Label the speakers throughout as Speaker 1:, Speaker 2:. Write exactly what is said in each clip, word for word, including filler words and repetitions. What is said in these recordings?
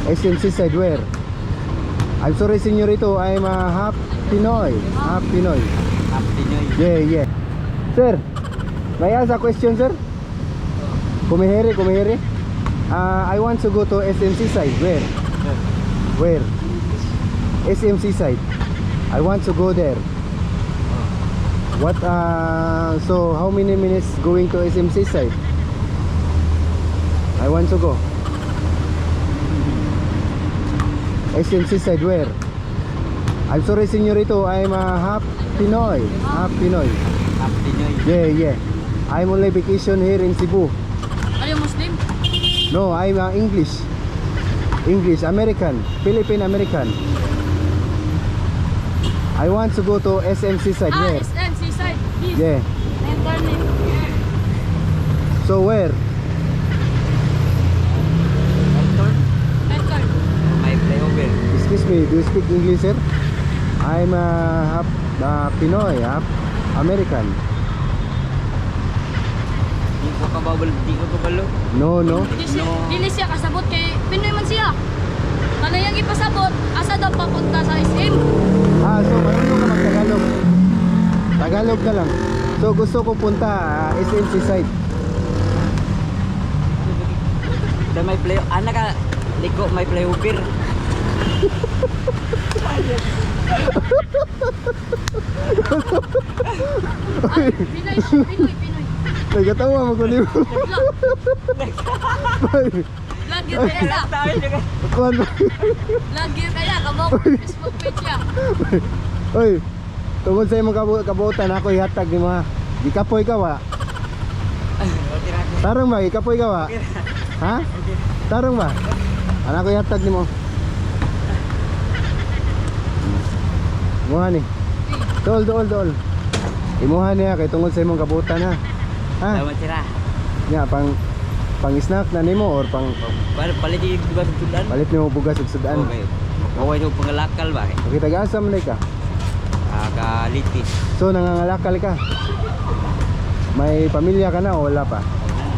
Speaker 1: S M C side where? I'm sorry, senyorito. I'm a half Pinoy. Half Pinoy.
Speaker 2: Half Pinoy.
Speaker 1: Yeah, yeah. Sir, may I ask a question, sir? Kumihiri, kumihiri. Uh, I want to go to S M C side. Where? Where? S M C side. I want to go there. What? Uh, so how many minutes going to S M C side? I want to go. S M C side where? I'm sorry, senyorito. I'm a half Pinoy. Half Pinoy.
Speaker 2: Half Pinoy.
Speaker 1: Yeah, yeah. I'm only vacation here in Cebu.
Speaker 3: Are you Muslim?
Speaker 1: No, I'm uh, English. English, American, Philippine American. I want to go to S M C side.
Speaker 3: Ah,
Speaker 1: Where?
Speaker 3: S M C side. Yes.
Speaker 1: Yeah.
Speaker 3: I'm turning.
Speaker 1: So where?
Speaker 3: Right turn.
Speaker 2: May flyover.
Speaker 1: Excuse me, do you speak English, sir? I'm uh, half uh, Pinoy, half American.
Speaker 2: Di ko kababal, di ko kabalo.
Speaker 1: No, no.
Speaker 3: Dili siya,
Speaker 2: No.
Speaker 3: dili siya kasabot kay Pinoy man siya. Kanayang ipasabot, asa daw papunta sa S M.
Speaker 1: Ah, so marunong ka mag-Tagalog. Tagalog na lang. So gusto ko punta uh, S M C side.
Speaker 2: Da may flyo, ana ka liko may flyover.
Speaker 3: Ah, Pinoy, Pinoy, Pinoy.
Speaker 1: Nagkatawa mo ko niyo.
Speaker 3: Vlog yun kaya.
Speaker 2: Tayo juga.
Speaker 1: Kuan.
Speaker 3: Vlog yun kaya. Kabok, Facebook page siya.
Speaker 1: Oy. Tungod sa imong kabu kabuotan ako ihatag ni mo ha. Gikapoy ka wa. Tarong ba gikapoy ka wa? Ha? Tarong ba? Ana ko ihatag nimo. Imuha ni. Dol, dol, dol. Imuha niya kay tungod sa imong kabuotan ha. Ha?
Speaker 2: Salamat sira.
Speaker 1: Nya pang pang snack na nimo or pang
Speaker 2: Bar palit di bugas sudan.
Speaker 1: palit nimo bugas ug sudan.
Speaker 2: Okay. Kaway do pangalakal ba?
Speaker 1: Okay, taga-asa man ka.
Speaker 2: Ah, kalitis.
Speaker 1: So nangangalakal ka. May pamilya ka na o wala pa?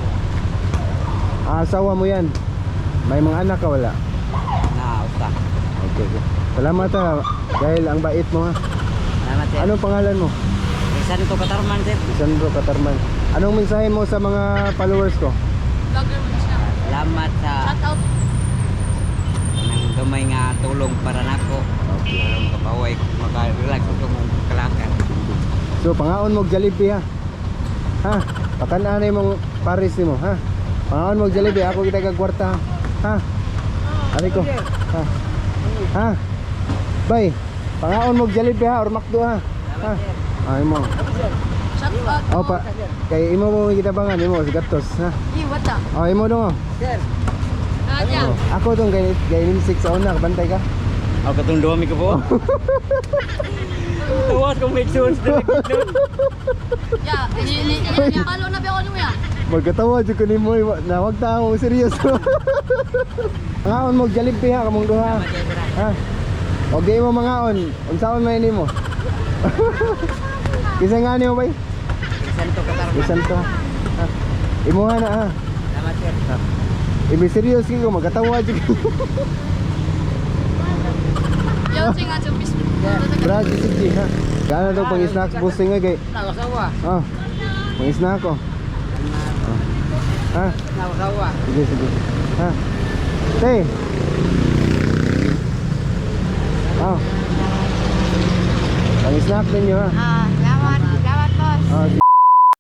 Speaker 1: Ah, asawa mo yan. May mga anak ka wala?
Speaker 2: Na usta.
Speaker 1: Okay, okay. Salamat ha. Dahil ang bait mo ha.
Speaker 2: Salamat sir.
Speaker 1: Anong pangalan mo?
Speaker 2: Isan to katarman sir.
Speaker 1: Sandro Katarman. Anong mensahe mo sa mga followers ko?
Speaker 3: Vlogger man siya.
Speaker 2: Salamat sa
Speaker 3: Shout out.
Speaker 2: nang gamay nga tulong para nako. Okay. Aron kapaway maka-relax ko mong kalakan.
Speaker 1: So pangaon mo og Jollibee ha. Ha? Pakan-anay mong Paris nimo ha. Pangaon mo og Jollibee ako kita kag kwarta ha. Ha? Ari ko. Ha. Ha? Bay. Pangaon mo og Jollibee ha or McDo ha. Ha? Ay mo.
Speaker 3: Shout out.
Speaker 1: Oh pa. Kay imo mo kita bangan imo si Gatos ha.
Speaker 3: Di, what the?
Speaker 1: Oh imo dong oh.
Speaker 2: Sir.
Speaker 3: Ah, diyan.
Speaker 1: Oh, ako tong gay gay six sa una bantay ka.
Speaker 2: Ako katong duwa mi ko po. Tuwas kong make sense dili kitnon.
Speaker 3: Ya, ni ni ni palo na ba ako niya?
Speaker 1: Magkatawa jud ko nimo na wag ta mo seryoso. Ngaon mo og Jollibee ha kamong duha. Ha? Og di mo mangaon, unsaon may nimo? Kisa nga nimo bay?
Speaker 2: Isan to katarman.
Speaker 1: Bisan to. Ha. Imuha na ha.
Speaker 2: Salamat sir.
Speaker 1: Ibi seryoso ko magkatawa jud.
Speaker 3: Yo, sing at sa Facebook.
Speaker 1: Brad sige ha. Gana to pang snacks boosting nga kay.
Speaker 2: Nawasawa.
Speaker 1: Oh. Pang snack ko. Ha?
Speaker 2: Nawasawa.
Speaker 1: Sige sige. Ha. Tay. Oh. Pang snack ninyo ha.
Speaker 3: Ah, salamat, salamat boss.
Speaker 1: Ah,